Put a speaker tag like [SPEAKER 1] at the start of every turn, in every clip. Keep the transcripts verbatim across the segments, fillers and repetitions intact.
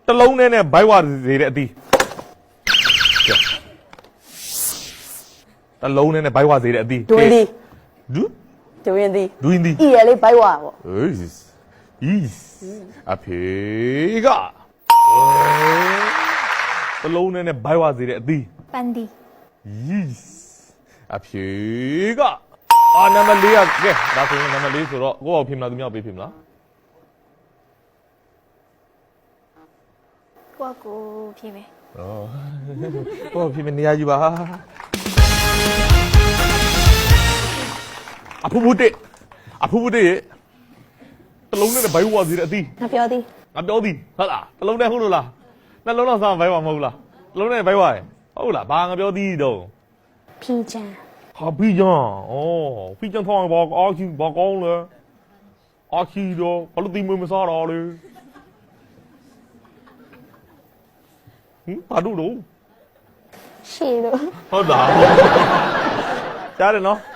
[SPEAKER 1] တလုံးနဲ့နဲ့ဘိုက်ဝစေတဲ့အသီးတလုံးနဲ့နဲ့ဘိုက်ဝစေတဲ့အသီး
[SPEAKER 2] ဒွင်းသည်
[SPEAKER 1] ဒူ
[SPEAKER 2] ဒွင်းသည်
[SPEAKER 1] ဒူင်းသည်
[SPEAKER 2] ဤရလေးဘိုက်ဝါပေါ့
[SPEAKER 1] အေးဤအဖေကတလုံးနဲ့နဲ့ဘိုက်ဝစေတဲ့အသီး
[SPEAKER 3] ပန်ဒီ
[SPEAKER 1] yes အဖြေကအာနံပါတ်လေးကကဲဒါဆိုရင်နံပါတ်လေးဆိုတော့ကိုယ့်အောင်ဖြစ်မလားသူများပေးဖြစ်မလား
[SPEAKER 3] ကိုကကိုဖြေမယ်
[SPEAKER 1] ဩကိုယ့်အောင်ဖြစ်မနေရကြီးပါအဖူဖူတက်အဖူဖူတက်ရဲ့တလုံးနဲ့ဘိုက်ဝါစီတဲ့အသီး
[SPEAKER 2] ငါပြောသည်
[SPEAKER 1] ငါပြောသည်ဟုတ်လားတလုံးနဲ့ဟုတ်လို့လားနှလုံးတော့စားဘိုက်ဝါမဟုတ်လားတလုံးနဲ့ဘိုက်ဝါရဲ့ဟုတ်လားဘာငါပြောသည်တော့
[SPEAKER 2] ဖီချန်
[SPEAKER 1] ဟာဖီဂျန်ဩဖီဂျန်ထောင်းဘာအာချီဘာကောင်းလဲအာချီတော့ဘာလို့ဒီမွေးမစားတော့လဲဟင်ဘာလို့တော့
[SPEAKER 2] ရှေလို့
[SPEAKER 1] ဟုတ်လားကြားတယ်နော်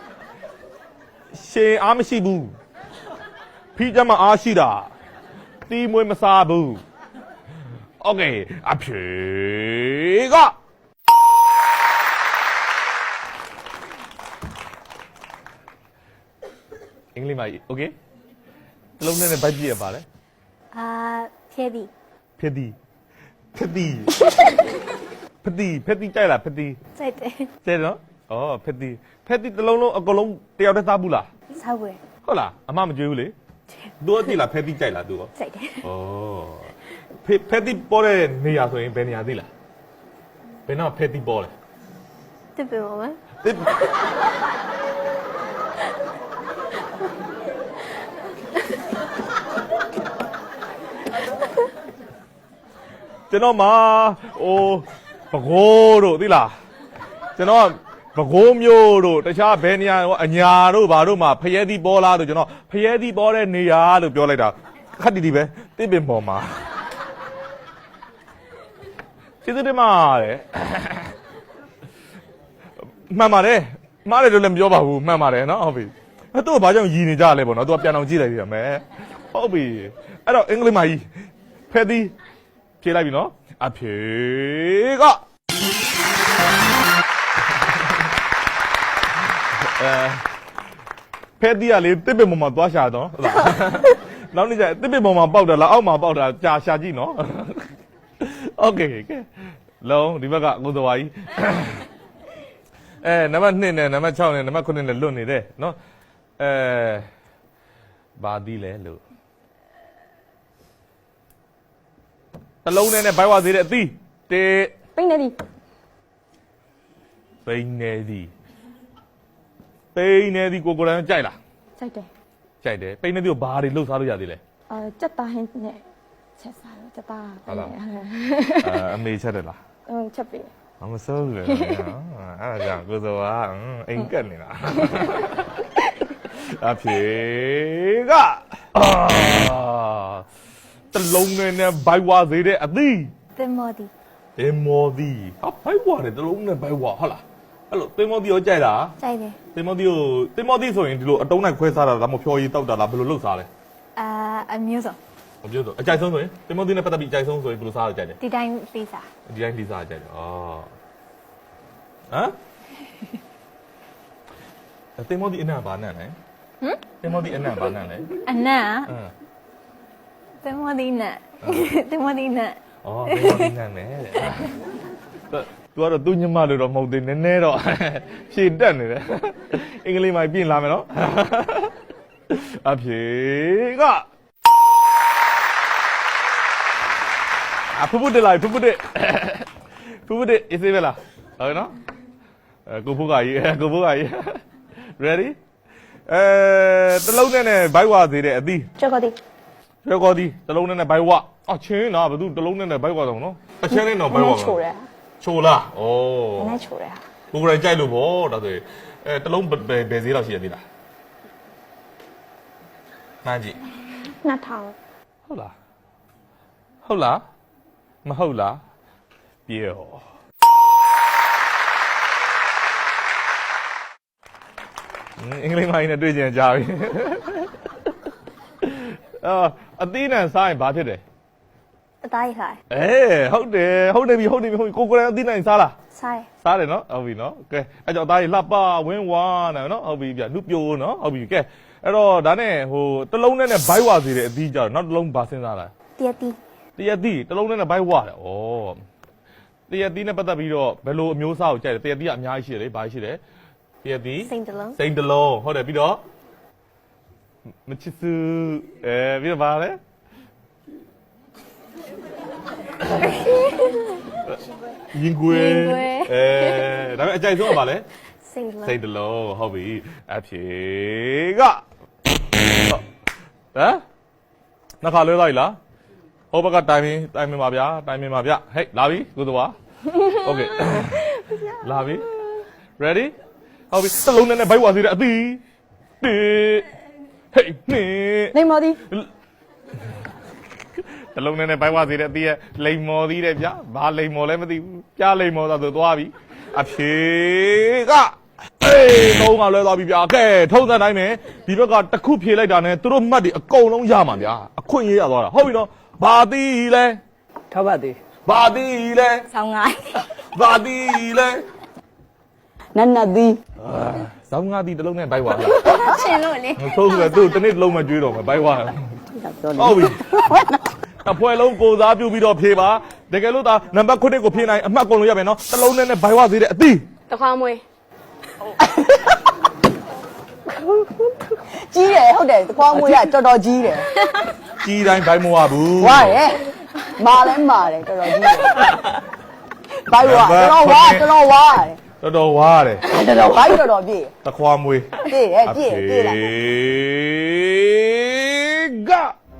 [SPEAKER 1] ရှင်အားမရှိဘူးဖီဂျန်မှာအားရှိတာဒီမွေးမစားဘူးโอเคအဖြေကအင်္ဂလိပ်မှာโอเคတလုံးနဲ့ဘိုက်ပြည့်ရပါလေ
[SPEAKER 3] အာဖြဲသည်
[SPEAKER 1] ဖြစ်သည်ဖြစ်သည်ဖြစ်သည်ဖြစ်သည်ကြိုက်လားဖြစ်သည်
[SPEAKER 3] စိုက်တယ်
[SPEAKER 1] ကျဲနော်ဩဖြစ်သည်ဖြစ်သည်တလုံးလုံးအကလုံးတယောက်တည်းစားဘူးလား
[SPEAKER 3] ဆောက်ွယ်
[SPEAKER 1] ဟုတ်လားအမမကြွေးဘူးလေသူအတိလားဖြစ်သည်ကြိုက်လားသူရော
[SPEAKER 3] စိုက်တယ်
[SPEAKER 1] ဩဖြစ်ဖြစ်သည်ပေါ်တဲ့နေရာဆိုရင်ဘယ်နေရာသိလားဘယ်တော့ဖြစ်သည်ပေါ်လဲ
[SPEAKER 3] တစ်ပင်ပါမ
[SPEAKER 1] တစ်ကျွန်တော်မှာဟိုပကိုးတို့သိလားကျွန်တော်ပကိုးမျိုးတို့တခြားဘယ်နေရာအညာတို့ဘာတို့မှာဖျဲသီးပေါ်လာတို့ကျွန်တော်ဖျဲသီးပေါ်တဲ့နေရာလို့ပြောလိုက်တာခက်တီတီပဲတစ်ပင်ပေါ်မှာကျေးဇူးတင်ပါတယ်မှန်ပါတယ်မှားတယ်လို့လည်းမပြောပါဘူးမှန်ပါတယ်နော်ဟုတ်ပြီအဲ့တော့ဘာကြောင့်ရည်နေကြလဲပေါ့နော်သူကပြန်အောင်ကြည့်လိုက်ရမယ်ဟုတ်ပြီအဲ့တော့အင်္ဂလိပ်မှာကြီးဖဲသီးဖြေလိုက်ပြီနော်အဖြေကအဲဖဲသီးကလေတစ်ပင်ပေါ်မှာသွားရှာတော့ဟုတ်လားနောက်နေ့ကျတစ်ပင်ပေါ်မှာပေါက်တာလားအောက်မှာပေါက်တာကြာရှာကြည့်နော်โอเคကဲလုံးဒီဘက်ကကိုတော်ဝါကြီးအဲနံပါတ်နှစ်နဲ့နံပါတ်၆နဲ့နံပါတ်ခုနှစ်နဲ့လွတ်နေတယ်နော်အဲဘာသီးလဲလို့တလုံးနဲ့နဲ့ဘိုက်ဝါသေးတဲ့အသီးတေ
[SPEAKER 2] ပိနေသည်
[SPEAKER 1] ပိန်းနေသည်ပိန်းနေသည်ကိုကိုယ်တိုင်ကြိုက်လား
[SPEAKER 2] စိုက်တယ်
[SPEAKER 1] ကြိုက်တယ်ပိန်းနေသည်ကိုဘာတွေလှုပ်ရှားလို့ရသေးလဲ
[SPEAKER 2] အာစက်သားဟင်းနဲ့ချက်စားလို့စက်သား
[SPEAKER 1] ဟုတ်လားအဲအမေချက်တယ်လား
[SPEAKER 2] အင်းချက်ပြီ
[SPEAKER 1] မမစိုးဘူးလေအဲ့ဒါကြောင့်ကိုစောကအိမ်ကက်နေတာအဖြေကအာတလုံးနဲ့နဲ့ဘိုက်ဝါသေးတဲ့အသီး
[SPEAKER 3] တင်မော်သည်
[SPEAKER 1] တင်မော်သည်ဟာဘိုက်ဝါတယ်တလုံးနဲ့ဘိုက်ဝါဟုတ်လားအဲ့လိုတင်မော်သည်ရောကြိုက်လား
[SPEAKER 3] စိုက်တယ်
[SPEAKER 1] တင်မော်သည်ကိုတင်မော်သည်ဆိုရင်ဒီလိုအတုံးနဲ့ခွဲစားတာဒါမှမဟုတ်ဖြော်ရည်တောက်တာလားဘယ်လိုလုပ်စားလဲ
[SPEAKER 3] အာအမျိုးစုံ
[SPEAKER 1] မပြောတော့အကြိုက်ဆုံးဆိုရင်တင်မော်သည်နဲ့ပတ်သက်ပြီးအကြိုက်ဆုံးဆိုရင်ဘယ်လိုစားရကြတယ်
[SPEAKER 3] ဒီတိုင်းပေးစား
[SPEAKER 1] ဒီတိုင်းလိစားကြတယ်ဩဟမ်တင်မော်သည်အနံ့ဘာနံ့လဲ
[SPEAKER 3] ဟမ်
[SPEAKER 1] တင်မော်သည်အနံ့ဘာနံ့လဲ
[SPEAKER 3] အနံ့
[SPEAKER 1] အင်း
[SPEAKER 3] တင်မော်သည်နံ့တင်မော်သည်နံ့
[SPEAKER 1] ဩတင်မော်သည်နံ့နဲ့တဲ့ तू ကတော့သူ့ညမလို့တော့မဟုတ်သေးနည်းနည်းတော့ဖြည့်တက်နေတယ်အင်္ဂလိပ်မှာပြင်လာမယ်နော်အဖြေကအဖူဖူတက်လာဖူဖူတက်ဖူဖူတက်အေးစေးပဲလားဟုတ်ကဲ့နော်အဲကိုဖူကကြီးကိုဖူကကြီး ready အဲတလုံးနဲ့နဲ့ဘိုက်ဝါသေးတဲ့အသီး
[SPEAKER 2] ချက်ကောသည်
[SPEAKER 1] ရွှေကောသည်တလုံးနဲ့နဲ့ဘိုက်ဝါအချင်းနော်ဘာသူတလုံးနဲ့နဲ့ဘိုက်ဝါတော့နော်အချင်းနဲ့တော့ဘိုက်ဝါ
[SPEAKER 2] ချိုတယ်
[SPEAKER 1] ချိုလားဩ
[SPEAKER 2] နည်းချိုတယ်ဟာ
[SPEAKER 1] ကိုယ်တိုင်ကြိုက်လို့ဗောဒါဆိုရင်အဲတလုံးဘယ်ဘယ်ဈေးလောက်ရှိရသေးလားမှန်းကြည့်
[SPEAKER 2] နှစ်ထောင်
[SPEAKER 1] ဟုတ်လားဟုတ်လားမဟုတ်လားပြေဟောအင်္ဂလိပ်မိုင်းနဲ့တွေ့ကြကြပြီအာအသီးနဲ့စားရင်ဘာဖြစ်တယ်
[SPEAKER 3] အသားရခိုင်
[SPEAKER 1] အေးဟုတ်တယ်ဟုတ်တယ်ပြီဟုတ်တယ်ပြီဟုတ်ပြီကိုကိုယ်တိုင်အသီးနိုင်စားလား
[SPEAKER 3] ဆိုင်
[SPEAKER 1] စားတယ်နော်ဟုတ်ပြီနော်ကဲအဲ့ကြောင့်အသားကြီးလှပဝင်းဝါနော်နော်ဟုတ်ပြီဗျနှုတ်ပြိုးနော်ဟုတ်ပြီကဲအဲ့တော့ဒါနဲ့ဟိုတစ်လုံးနဲ့နဲ့ဘိုက်ဝါစီတဲ့အသီးကြတော့နောက်တစ်လုံးဘာစဉ်းစားလား
[SPEAKER 3] တရက်တီ
[SPEAKER 1] တရက်သီးတစ်လုံးနဲ့နဲ့ဘိုက်ဝါတယ်ဩတရက်သီးနဲ့ပတ်သက်ပြီးတော့ဘယ်လိုအမျိုးအစားကိုကြိုက်လဲတရက်သီးကအများကြီးရှိတယ်လေဘာရှိတယ်တရက်သီး
[SPEAKER 3] စိန်တလုံး
[SPEAKER 1] စိန်တလုံးဟုတ်တယ်ပြီးတော့မချစ်စုအဲပြီးတော့ဘာလဲရင်ကွယ်အဲဒါပေမဲ့အကြိုက်ဆုံးကဘာလဲ
[SPEAKER 3] စိန်တလုံး
[SPEAKER 1] စိတ်တလုံးဟုတ်ပြီအဖြေကဟမ်နှစ်ခါလွဲသွားပြီလားဟိုဘက်ကတိုင်မင်းတိုင်မင်းပါဗျာတိုင်မင်းပါဗျဟဲ့လာပြီကိုသွားโอเคလာပြီ ready ဟုတ်ပြီစလုံးနဲ့ဘိုက်ဝါစီတဲ့အသီးတေဟေးနေ
[SPEAKER 2] နေမော်ဒီ
[SPEAKER 1] တလုံးနဲ့ဘိုက်ဝါစီတဲ့အသီးရဲ့လိမ်မော်သီးတဲ့ဗျာဘာလိမ်မော်လဲမသိဘူးကြားလိမ်မော်သာဆိုသွားပြီအဖြေကအေးတော့ကလွဲသွားပြီဗျာကဲထုံးစံတိုင်းပဲဒီဘက်ကတစ်ခုဖြေလိုက်တာနဲ့သူတို့မှတ်တွေအကုန်လုံးရမှာဗျာအခွင့်ရေးရသွားတာဟုတ်ပြီနော်ဘာတီးလဲ
[SPEAKER 4] ထောက်ပါသေး
[SPEAKER 1] ဘာတီးလဲ
[SPEAKER 3] ဆောင်းငိုင်း
[SPEAKER 1] ဘာတီးလဲ
[SPEAKER 2] နတ်နတ်ဒီ
[SPEAKER 1] ဇောင်းငါတီးတစ်လုံးနဲ့ဘိုက်ဝါဗျာ
[SPEAKER 3] ရှင်လို့လေ
[SPEAKER 1] ဆိုးဆိုသူတစ်နေ့တစ်လုံးမှကျွေးတော့မယ်ဘိုက်ဝါဟုတ်ပြီအဖွဲလုံးကိုစားပြုပြီးတော့ဖြေပါတကယ်လို့ဒါနံပါတ်ခုနှစ်ကိုဖြေနိုင်အမှတ်ကုန်လို့ရမယ်နော်တစ်လုံးနဲ့ဘိုက်ဝါသေးတဲ့အသီး
[SPEAKER 2] တခွားမွေးကြီးတယ်ဟုတ်တယ်တခွားမွေးကတော်တော်ကြီးတယ်
[SPEAKER 1] ကြီးတိုင်းဘိုက်မဝဘူး
[SPEAKER 2] ဝါရဲမာလဲမာတယ်တော်တော်ကြီးတယ်ဘိုက်ဝါတော်တော်ဝါတော်တော်ဝါတယ်
[SPEAKER 1] တော်တော်ဝါတယ်
[SPEAKER 2] တော်တော်ဘိုက်တော်တော်ပြည့်
[SPEAKER 1] တခွာမွေး
[SPEAKER 2] ပြည့်တယ်ပြည့်ပြည့်လိုက်
[SPEAKER 1] က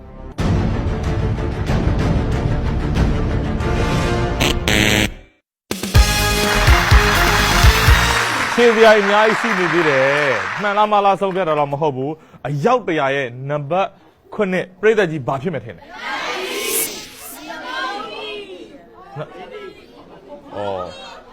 [SPEAKER 1] ခြေစရာအများကြီးရှိနေသေးတယ်မှန်လားမလားဆုံးဖြတ်တာတော့မဟုတ်ဘူးအယောက်တရာရဲ့နံပါတ်ခုနှစ်ပြိတ္တကြီးဘာဖြစ်မယ်ထင်လဲဩ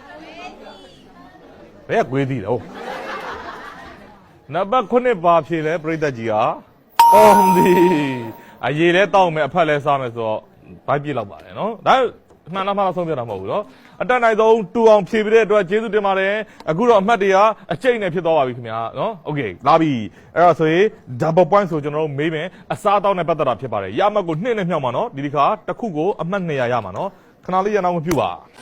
[SPEAKER 1] ဘယ်ကွေးသေးလဲဟုတ်နံပါတ်ခုနှစ်ဘာဖြစ်လဲပြိတ္တကြီးဟာအော်ဒီအရေးလဲတောက်မယ်အဖက်လဲစားမယ်ဆိုတော့ဘိုက်ပြစ်လောက်ပါတယ်နော်ဒါမှန်လားမလားဆုံးဖြတ်တာမဟုတ်ဘူးနော်အတက်နိုင်ဆုံးတူအောင်ဖြည့်ပြတဲ့အတွက်ကျေးဇူးတင်ပါတယ်အခုတော့အမှတ်တရအကျိတ်နဲ့ဖြစ်သွားပါပြီခင်ဗျာနော်โอเคလာပြီအဲ့တော့ဆိုရင် double point ဆိုကျွန်တော်တို့မေးမယ်အစားအသောက်နဲ့ပတ်သက်တာဖြစ်ပါတယ်ရမှတ်ကိုနှစ်နဲ့မြောက်မှာနော်ဒီဒီခါတစ်ခုကိုအမှတ်နှစ်ရာရမှာနော်ခဏလေးရအောင်မပြုပါ